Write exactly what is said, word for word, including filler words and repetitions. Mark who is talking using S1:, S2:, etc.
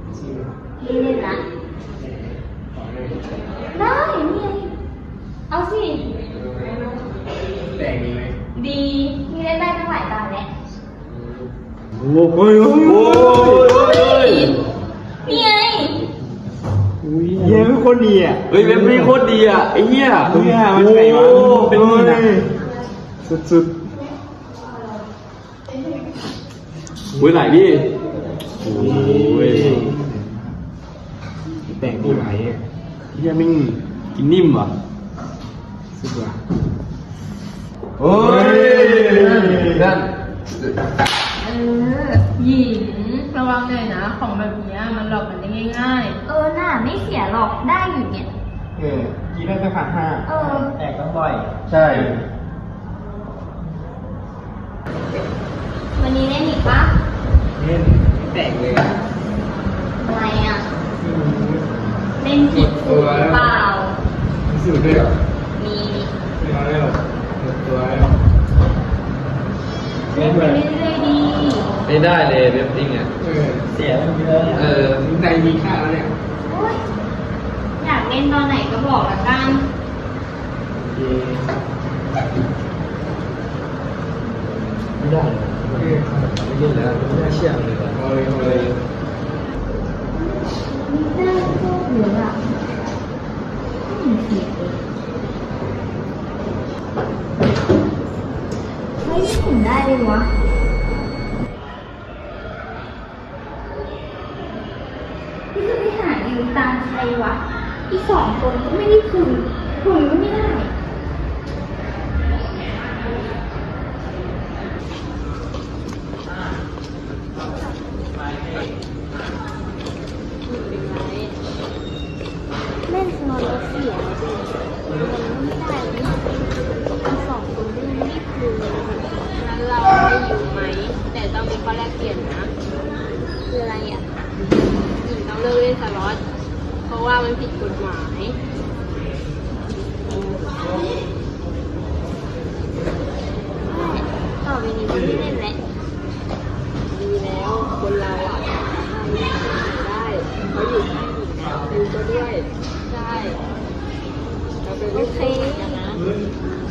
S1: พี่เล่นนะได้นี่ไงเอาสิ
S2: แต่งดีไหม
S1: ดีพี่เล่นได้ตั้งหลายตาแล้ว
S2: โอ้โหโอ้โห
S1: นี่ไง
S2: เฮียเป็นคนดีอ่ะ
S3: เฮ้ยเว็บนี้โคตรดีอ่ะไอ้เหี้ย
S2: เฮียมันไงวะเป็นนี่นะสุด
S3: เฮ้ยไหนพี่โอ้ย
S2: ๆแต่งดีไหม
S3: เหี้ยมิ่งกินนิ่มอ่ะ
S2: สุดว่ะ
S3: โอ้ยนั่น
S4: เออหญิงระวังหน่อยนะของแบบนี้มันหลอกกันได้ง่าย
S1: เออน่าไม่เสียหรอกได้อยู่เนี่ย
S2: เออกี่ได้สักพันห้า
S1: เออ
S2: แตกต้องบ่อย
S3: ใช่
S1: วันนี้เล่นอีกปะ
S2: เล่นแตกเลย
S1: อะไรอ่ะเล่นผิดสูตรเปล่า
S2: สูตรด้วยเหรอ
S1: มี
S2: ไม่เอาได้หรอกหมดตัวแล้ว
S1: เล่นไปเรื่อยๆดี
S3: ไม่ได้เลยเว็บจริงอ่ะ
S2: เออเสียมันเยอะเออใจมีค่าแล้วเนี่ย
S1: โอ๊ยอยากเล่นตอนไหนก็บอกละกัน
S3: ไม่ได้เลยไม่เล่นแล้วไม่น่าเชื่อเลยว่ะ
S2: พอเลยพอเลย
S1: ไม่ได้พวกหนูอ่ะไม่มีเสียงเลยเฮ้ยไม่ถึงได้เลยวะพี่จะไปหายืมตังค์ใครวะอีกสองคนก็ไม่ได้คืนคืนก็ไม่ได้เล่นสนอนแล้วเสียเลยมันไม่ได้เลยอีกสองคนก็ยังไม่ได้คืนเลยงั้นเราให้ยืมไหมแต่ต้องมีข้อแลกเปลี่ยนนะคืออะไรอ่ะหญิงต้องเลิกเล่นสล็อตเพราะว่ามันผิดกฎหมายต่อไปนี้จะไม่เล่นแล้วดีแล้วคนเราอ่ะได้เขาอยู่ข้างหญิงดูก็ด้วยใช่เราเป็นลูกเทพนะ